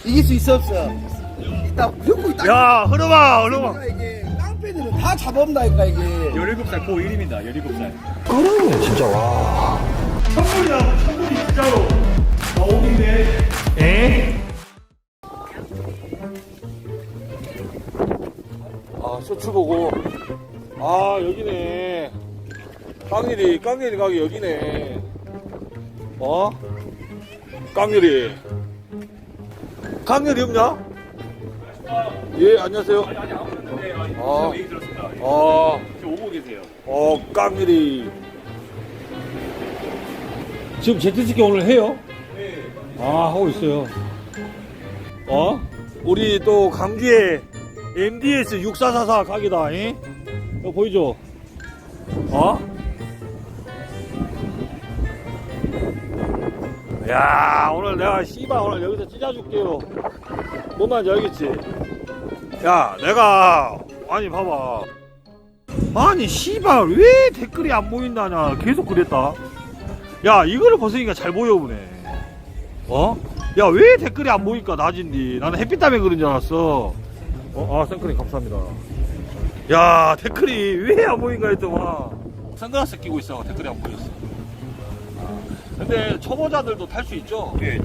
이길 수 있어 없어? 일단 무조건 있다. 야, 흐름아. 이게 깡패들은 다 잡아온다니까 이게. 17살 고1입니다. 17살. 그러네 진짜 와. 천물이 진짜로. 나오긴데. 에? 아, 쇼츠 보고. 아, 여기네. 깡일이 가게 여기네. 어? 깡일이 없냐? 예, 안녕하세요. 아, 얘기 들었습니다. 지금 오고 계세요. 깡일이. 지금 제트스키 오늘 해요? 네. 아, 하고 있어요. 우리 또 강주에 MDS 6444 가게다, 잉? 이거 보이죠? 야, 오늘 내가 씨발 오늘 여기서 찢어줄게요. 뭔 말인지 알겠지? 야, 내가 아니 봐봐. 아니 씨발 왜 댓글이 안 보인다냐 계속 그랬다. 야, 이거를 벗으니까 잘 보여보네. 야, 왜 댓글이 안 보니까 낮인디. 나는 햇빛 때문에 그런 줄 알았어. 선크림 감사합니다. 야, 댓글이 왜 안 보인가 했더만 선글라스 끼고 있어. 댓글이 안 보였어. 근데 초보자들도 탈 수 있죠? 네,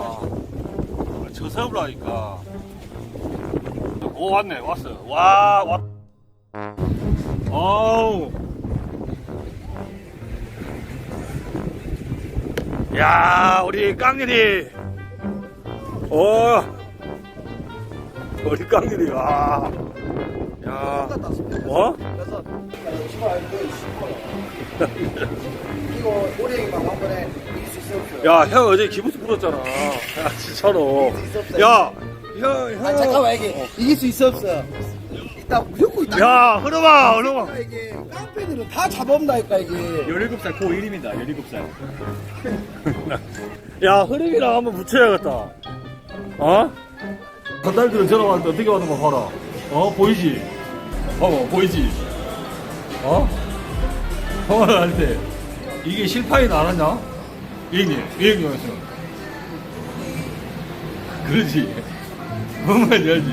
저세우를 하니까. 오, 왔네, 왔어. 왔. 어우. 야, 우리 깡일이. 우리 깡일이. 야. 그래서 이거 올해만 한 번에 이길 수 있어 없어? 야, 형 어제 기부스 풀었잖아. 야, 진짜로. 야, 형. 아 잠깐만 이게 이길 수 있어 없어? 일단 무조건 있다. 야, 흐름아. 이게 깡패들은 다 잡아온다니까 이게. 17살 고1입니다. 17살. 야, 흐름이랑 한번 붙여야겠다. 건달들은 전화 왔는데 어떻게 왔는 거 봐라. 보이지? 보이지? 통화를 할 때 이게 실파이 나왔냐? 이행용에서 그러지. 뭔 말인지 알지?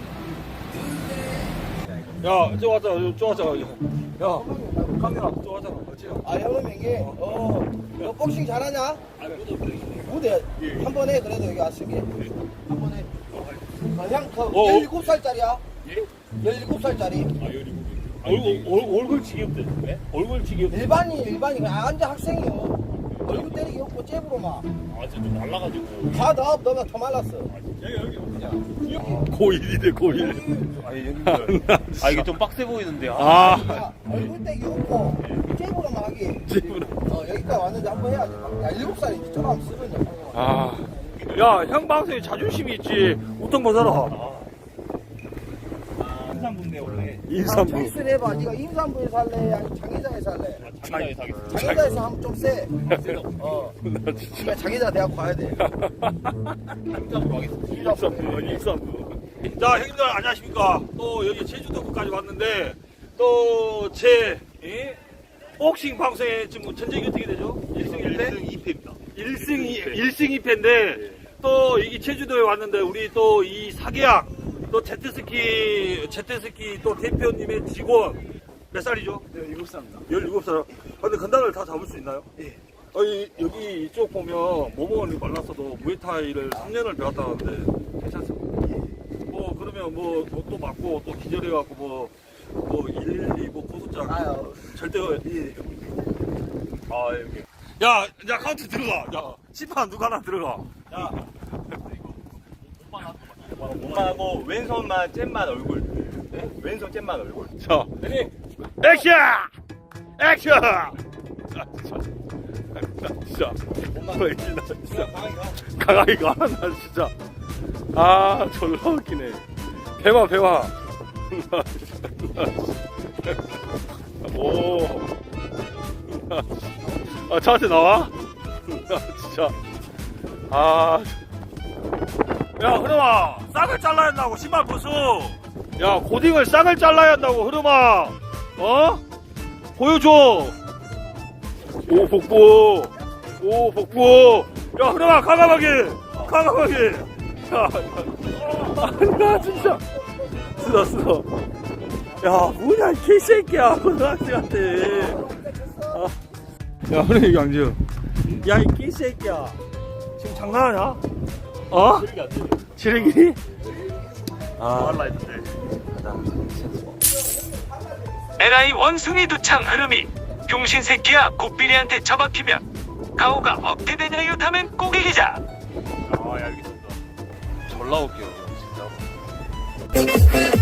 야, 저 왔잖아. 야, 카메라 저 왔잖아. 아 형은 이게 너 복싱 잘하냐? 무대 한 번 해 그래도 여기 왔으니 한 번 해. 그냥 17살짜리야? 예? 17살짜리. 얼굴 지겹대. 네? 얼굴 지겹대. 일반이 그냥 앉아 학생이요. 얼굴 때리기 없고 잽으로만. 좀 날라가지고. 다 너가 더 말랐어. 여기. 고1이래, 고1. 아니, 이게 좀 빡세 보이는데. 야, 얼굴 때기 없고 잽으로만 하기. 여기까지 왔는데 한 번 해야지. 야 7살이지 저거 한번 쓰러져. 야, 형 방송에 자존심이 있지. 우통 벗어라. 인삼분데 원래. 인삼부. 초이스를 해봐. 네가 임산부에 살래? 아니 장애자에 살래? 장난이 사겠어. 장애자에서 하면 좀 세. 나 진짜. 그러니까 장애자 대학 가야 돼. 인삼으로 하겠습니다. 인삼부. 자, 형님들 안녕하십니까. 또 여기 제주도까지 왔는데 또 제 복싱 방송에 지금 전적이 어떻게 되죠? 1승 1패? 2패입니다. 1승 2패인데 또 여기 제주도에 왔는데 우리 또 이 사계약 또 제트스키 또 대표님의 직원 몇 살이죠? 17살입니다. 17살. 근데 건달을 다 잡을 수 있나요? 예. 여기 이쪽 보면 모모건이 말랐어도 무에타이를 3년을 배웠다는데 괜찮습니다. 뭐 그러면 뭐 또 맞고 또 기절해갖고 뭐 112 뭐 고소장 아유. 절대 여기. 야, 이제 카운트 들어가. 야, 심판 누가 하나 들어가. 야, 몸하고 왼손만 잼만 얼굴. 네? 왼손 잼만 얼굴. 자, 네. 액션! 액션! 진짜. 진짜. 강하게 가. 나 진짜. 졸라 웃기네. 배마. 오. 저한테 나와? 진짜. 야, 흐름아. 싹을 잘라야 한다고, 신발 부수. 야, 고딩을 싹을 잘라야 한다고, 흐름아. 보여줘. 오, 복부. 야, 흐름아, 과감하게. 진짜. 나 진짜. 쓰다. 야, 뭐냐, 이 개새끼야. 고등학생한테. 야, 그래, 이거 양지우. 야, 이 개새끼야. 지금 장난하냐? 어? 지르기? 할라 했는데. LI 원숭이 두창 흐름이 병신 새끼야 곱비리한테 처박히면 가오가 어떻게 되냐요 다면 꼬기기자. 아, 야, 알겠습니다. 졸라 웃겨, 진짜.